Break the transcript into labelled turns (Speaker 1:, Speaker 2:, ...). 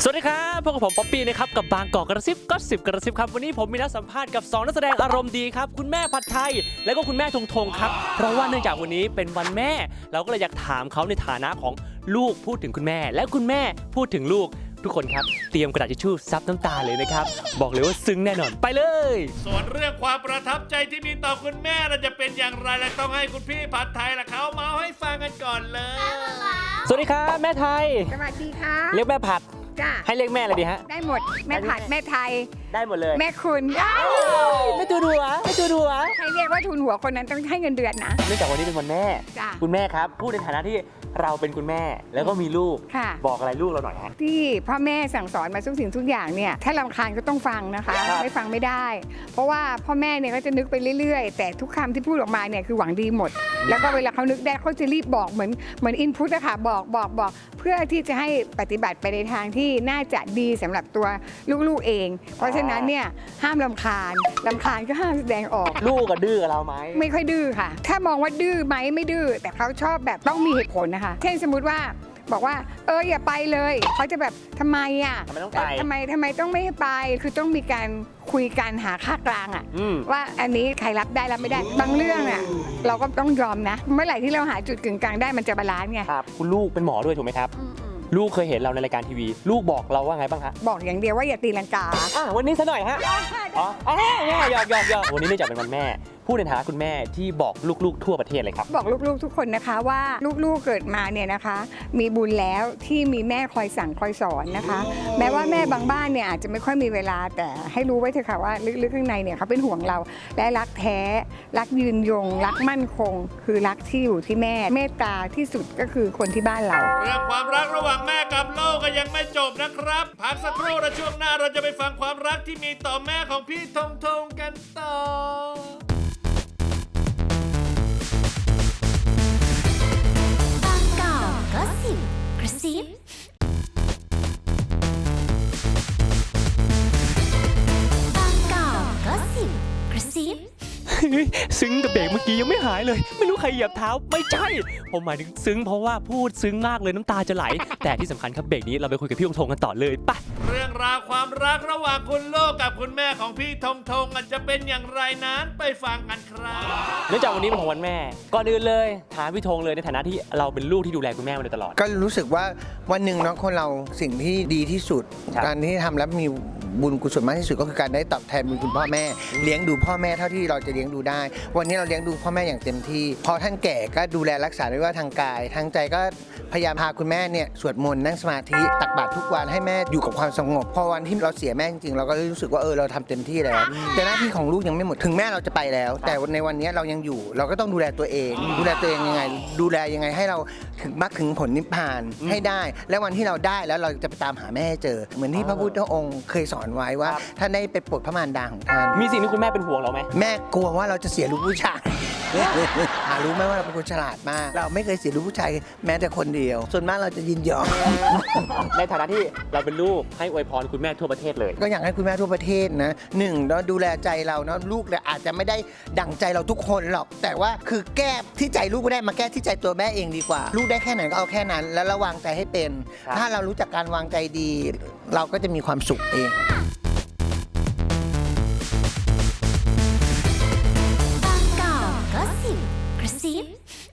Speaker 1: สวัสดีครับพบกับผมป๊อปปี้นะครับกับบางกอกกระซิบก็10กระซิบครับวันนี้ผมมีนัดสัมภาษณ์กับ2นักแสดงอารมณ์ดีครับคุณแม่ผัดไทยและก็คุณแม่ทงทงครับเพราะว่าเนื่องจากวันนี้เป็นวันแม่เราก็เลยอยากถามเขาในฐานะของลูกพูดถึงคุณแม่และคุณแม่พูดถึงลูกทุกคนครับเตรียมกระดาษทิชชู่ซับน้ำตาเลยนะครับบอกเลยว่าซึ้งแน่นอนไปเลย
Speaker 2: ส่วนเรื่องความประทับใจที่มีต่อคุณแม่เราจะเป็นอย่างไรและต้องให้คุณพี่ผัดไทยละเขาเมาให้ฟังกันก่อนเลย
Speaker 1: สวัสดีครับแม่ไทย
Speaker 3: สวัสดีค่ะ
Speaker 1: เรียกแม่ผัด
Speaker 3: จ้า
Speaker 1: ให้เรียกแม่อะไรดีฮะ
Speaker 3: ได้หมดแม่ผัดแม่ไทย
Speaker 1: ได้หมดเลย
Speaker 3: แม่คุณ
Speaker 1: ไม่ตูดัวไม่ตูดัว
Speaker 3: ใครเรียกว่าทุนหัวคนนั้นต้องให้เงินเดือนนะ
Speaker 1: เนื่องจากวันนี้เป็นวันแม่คุณแม่ครับพูดในฐานะที่เราเป็นคุณแม่แล้วก็มีลูกบอกอะไรลูกเราหน่อยฮะ
Speaker 3: ที่พ่อแม่สั่งสอนมาทุกสิ่งทุกอย่างเนี่ยถ้ารำคาญก็ต้องฟังนะคะไม่ฟังไม่ได้เพราะว่าพ่อแม่เนี่ยก็จะนึกไปเรื่อยๆแต่ทุกคำที่พูดออกมาเนี่ยคือหวังดีหมดแล้วก็เวลาเขานึกได้เขาจะรีบบอกเหมือนอินพุตอะค่ะบอกเพื่อที่จะให้ปฏิบัติไปในทางที่น่าจะดีสำหรับตัวลูกๆเองเพราะฉะนั้นเนี่ยห้ามรำคาญก็ห้ามแสดงออก
Speaker 1: ลูกก็ดื้อกับเราไหม
Speaker 3: ไม่ค่อยดื้อค่ะถ้ามองว่าดื้อไหมไม่ดื้อแต่เขาชอบแบบต้องมีเหตุผลนะคะเช่นสมมุติว่าบอกว่าอย่าไปเลยเขาจะแบบทำไมอ่ะทำไมต้องไม่ให้ไปคือต้องมีการคุยกันหาค่ากลางอ่ะว่าอันนี้ใครรับได้รับไม่ได้บางเรื่องอ่ะเราก็ต้องยอมนะเมื่อไหร่ที่เราหาจุดกึ่งกลางได้มันจะบาลานซ์ไง
Speaker 1: ครับคุณลูกเป็นหมอด้วยถูกไหมครับลูกเคยเห็นเราในรายการทีวีลูกบอกเราว่าไงบ้างฮะ
Speaker 3: บอกอย่างเดียวว่าอย่าตีลังกา
Speaker 1: วันนี้ซะหน่อยฮะหยอกวันนี้เนื่องจากเป็นวันแม่พูดในฐานะคุณแม่ที่บอกลูกๆทั่วประเทศเลยครับ
Speaker 3: บอกลูกๆทุกคนนะคะว่าลูกๆเกิดมาเนี่ยนะคะมีบุญแล้วที่มีแม่คอยสั่งคอยสอนนะคะแม้ว่าแม่บางบ้านเนี่ยอาจจะไม่ค่อยมีเวลาแต่ให้รู้ไว้เถอะค่ะว่าลึกๆข้างในเนี่ยเขาเป็นห่วงเราและรักแท้รักยืนยงรักมั่นคงคือรักที่อยู่ที่แม่เมตตาที่สุดก็คือคนที่บ้านเรา
Speaker 2: เรื่องความรักระหว่างแม่กับลูกก็ยังไม่จบนะครับพักสักครู่และช่วงหน้าเราจะไปฟังความรักที่มีต่อแม่ของพี่ทงทงกันต่อบางกอกก็สิบกระซิ
Speaker 1: บางกอกก็สิบกระซิบซึ้งกับเบรกเมื่อกี้ยังไม่หายเลยไม่รู้ใครเหยียบเท้าไม่ใช่ผมหมายถึงซึ้งเพราะว่าพูดซึ้งมากเลยน้ำตาจะไหลแต่ที่สำคัญครับเบรกนี้เราไปคุยกับพี่ทงกันต่อเลยไป
Speaker 2: เรื่องราวความรักระหว่างคุณลูกกับคุณแม่ของพี่ทงทงจะเป็นอย่างไรนั้นไปฟังกันครับ
Speaker 1: เนื่องจากวันนี้เป็นของวันแม่ก่อนอื่นเลยถามพี่ทงเลยในฐานะที่เราเป็นลูกที่ดูแลคุณแม่มาโดยตลอด
Speaker 4: ก็รู้สึกว่าวันหนึ่งเนาะคนเราสิ่งที่ดีที่สุดการที่ทำแล้วมีบุญกุศลมากที่สุดก็คือการได้ตอบแทนบุญคุณพ่อแม่เลี้ยงดูพ่อแม่เท่าที่เราจะเลี้ยงดูได้วันนี้เราเลี้ยงดูพ่อแม่อย่างเต็มที่พอท่านแก่ก็ดูแลรักษาไม่ว่าทางกายทางใจก็พยายามพาคุณแม่เนี่ยสวดมนต์นั่งสมาธิตักบาตรทุกวันให้แม่อยู่กับความสงบพอวันที่เราเสียแม่จริงๆเราก็รู้สึกว่าเราทำเต็มที่แล้วแต่หน้าที่ของลูกยังไม่หมดถึงแม่เราจะไปแล้วแต่ในวันนี้เรายังอยู่เราก็ต้องดูแลตัวเองยังไงดูแลยังไงให้เราถึงมรรคถึงผลนิพพานให้ได้และวันที่เราได้แล้วเราจะไปตามหาแม่ให้เจอเหมือนที่พระพุทธองค์เคยสอนไว้ว่าท่านได้ไปโปรดพระมารดาของท่าน
Speaker 1: มีสิ่งที่คุณแม่เป็นห่วงเราไหม
Speaker 4: แม่กลัวว่าเราจะเสียลูกผู้ชายรู้ไหมว่าเราเป็นคนฉลาดมากเราไม่เคยเสียลูกผู้ชายแม้แต่คนเดียวส่วนมากเราจะยินยอม
Speaker 1: ในฐานะที่เราเป็นลูกให้อวยพรคุณแม่ทั่วประเทศเลย
Speaker 4: ก็อยากให้คุณแม่ทั่วประเทศนะหนึ่งเราดูแลใจเราเนาะลูกเนี่ยอาจจะไม่ได้ดั่งใจเราทุกคนหรอกแต่ว่าคือแก้ที่ใจลูกไม่ได้มาแก้ที่ใจตัวแม่เองดีกว่าลูกได้แค่ไหนก็เอาแค่นั้นแล้วระวางใจให้เป็นถ้าเรารู้จักการวางใจดีเราก็จะมีความสุขเอง
Speaker 5: บางกอกก็สิบกระซิบ